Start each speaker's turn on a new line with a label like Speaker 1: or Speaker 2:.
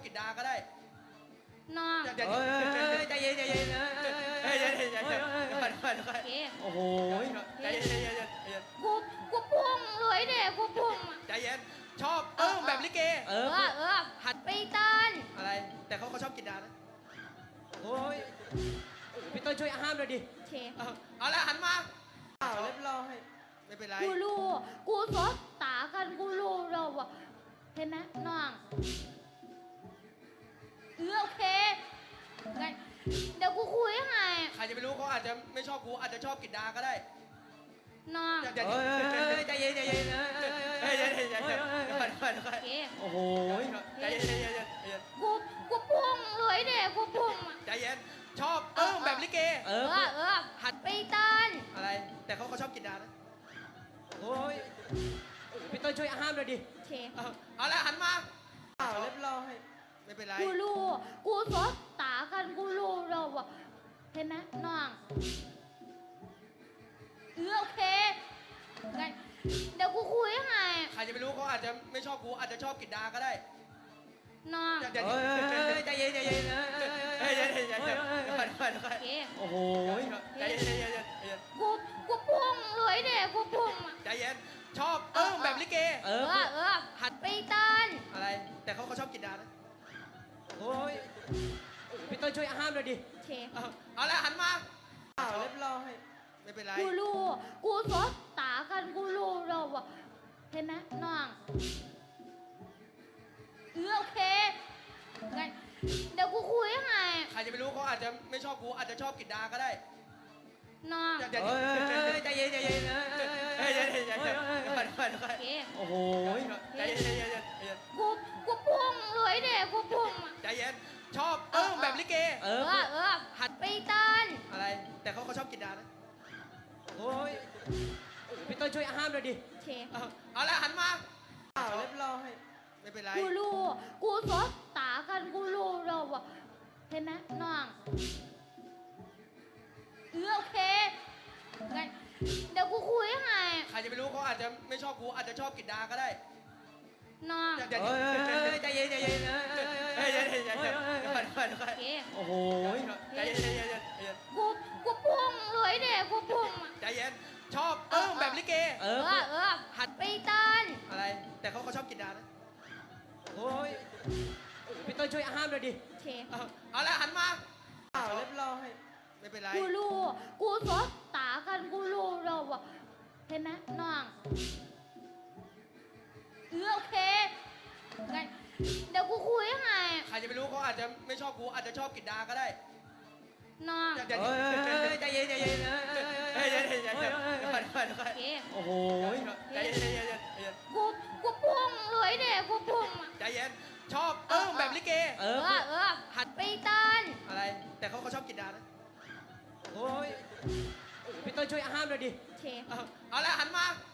Speaker 1: กินดาก็ได้
Speaker 2: น้อง
Speaker 1: ใจเย็นใจเย็นใจเย็นใจเย็นใจเย็นโอ้โหใจเย็นใจเย็นใจเย็น
Speaker 2: กูพุ่งเลยเด็กกูพุ่ง
Speaker 1: ใจเย็นชอบแบบลิเก
Speaker 2: หัดไปเต้น
Speaker 1: อะไรแต่เขาชอบกินดานะ
Speaker 3: โอ้ยพี่ต้นช่วยห้ามหน่อยดิ
Speaker 2: เช
Speaker 1: เอาละหันมา
Speaker 3: เรียบร้อย
Speaker 1: ไม่เป็นไร
Speaker 2: กูรู้กูสดตากันกูรู้เราอะเห็นไหมน้องโอเคงั้นเดี๋ยวกูคุยยังไง
Speaker 1: ใครจะไปรู้เขาอาจจะไม่ชอบกูอาจจะชอบกินดาก็ได้
Speaker 2: น้อง
Speaker 1: ใจเย็นใจเย็นใจเย็นใจเย็นใจเย็นใจเย็นโอ้โหใจเย็นใจเย็นใจเย็น
Speaker 2: กูพุ่งเลยเด็กกูพุ่ง
Speaker 1: ใจเย็นชอบแบบลิเก
Speaker 2: หัดไปเต้น
Speaker 1: อะไรแต่เขาชอบกินดานะ
Speaker 3: โอ้ยพี่ต้นช่วยห้ามหน่อยดิ
Speaker 2: เช
Speaker 1: เอาละหันมา
Speaker 3: เรียบร้อย
Speaker 1: ไม่เป็นไร
Speaker 2: กูรู้กูสดตากันกูรู้เราอะเห็นไหมน้องโอเคงั้นเดี๋ยวกูคุยยังไง
Speaker 1: ใครจะไปรู้เขาอาจจะไม่ชอบกูอาจจะชอบกินดาก็ได้
Speaker 2: น้อง
Speaker 1: ใจเย็นใจเย็นใจเย็นใจเย็นใจเย็นโอ้โหใจเย็นใจเย็นใจเย็น
Speaker 2: กูพุ่งเลยเด็กกูพุ่ง
Speaker 1: ใจเย็นชอบแบบลิเก
Speaker 2: หัดไปเต้น
Speaker 1: อะไรแต่เขาชอบกินดานะ
Speaker 3: โอ้ยพี่ต้นช่วยห้ามหน่อยดิ
Speaker 2: เช
Speaker 1: เอาละหันมา
Speaker 3: เรียบร้อย
Speaker 1: ไม่เป็นไร
Speaker 2: กูรู้กูสดตากันกูรู้เราอะเห็นไหมน้องโอเคงั้นเดี๋ยวกูคุยยังไง
Speaker 1: ใครจะไปรู้เขาอาจจะไม่ชอบกูอาจจะชอบกินดาก็ได้
Speaker 2: น้อง
Speaker 1: ใจเย็นใจเย็นใจเย็นใจเย็นใจเย็นโอ้โหใจเย็นใจเย็นใจเย็น
Speaker 2: กูพุ่งเลยเด็กกูพุ่ง
Speaker 1: ใจเย็นชอบแบบลิเก
Speaker 2: หัดไปเต้น
Speaker 1: อะไรแต่เขาชอบกินดานะ
Speaker 3: โอ้ยพี่ต้นช่วยห้ามหน่อยดิ
Speaker 2: เช
Speaker 1: เอาละหันมา
Speaker 3: เรียบร้อย
Speaker 1: ไม่เป็นไร
Speaker 2: กูรู้กูสดตากันกูรู้เราอะเห็นไหมน้องโอเคงั้นเดี๋ยวกูคุยยังไง
Speaker 1: ใครจะไปรู้เขาอาจจะไม่ชอบกูอาจจะชอบกินดาก็ได้
Speaker 2: น้อง
Speaker 1: ใจเย็นใจเย็นใจเย็นใจเย็นใจเย็นโอ้โหใจเย็นใจเย็นใจเย็น
Speaker 2: กูพุ่งเลยเด็กกูพุ่ง
Speaker 1: ใจเย็นชอบแบบลิเก
Speaker 2: หัดไปเต้น
Speaker 1: อะไรแต่เขาชอบกินดานะ
Speaker 3: โอ้ยพี่ต้นช่วยห้ามหน่อยดิ
Speaker 2: เช
Speaker 1: เอาละหันมา
Speaker 3: เรียบร้อย
Speaker 1: ไม่เป็นไร
Speaker 2: กูรู้กูสดตากันกูรู้เราอะเห็นไหมน้องโอเคงั้นเดี๋ยวกูคุยยังไง
Speaker 1: ใครจะไปรู้เขาอาจจะไม่ชอบกูอาจจะชอบกินดาก็ได้
Speaker 2: น้อง
Speaker 1: ใจเย็นใจเย็นใจเย็นใจเย็นใจเย็นโอ้โหใจเย็นใจเย็นใจเย็น
Speaker 2: กูพุ่งเลยเด็กกูพุ่ง
Speaker 1: ใจเย็นชอบแบบลิเก
Speaker 2: หัดไปเต้น
Speaker 1: อะไรแต่เขาชอบกินดานะ
Speaker 3: โอ้ยพี่ต้นช่วยห้ามหน่อยดิ
Speaker 2: เช
Speaker 1: เอาละหันมา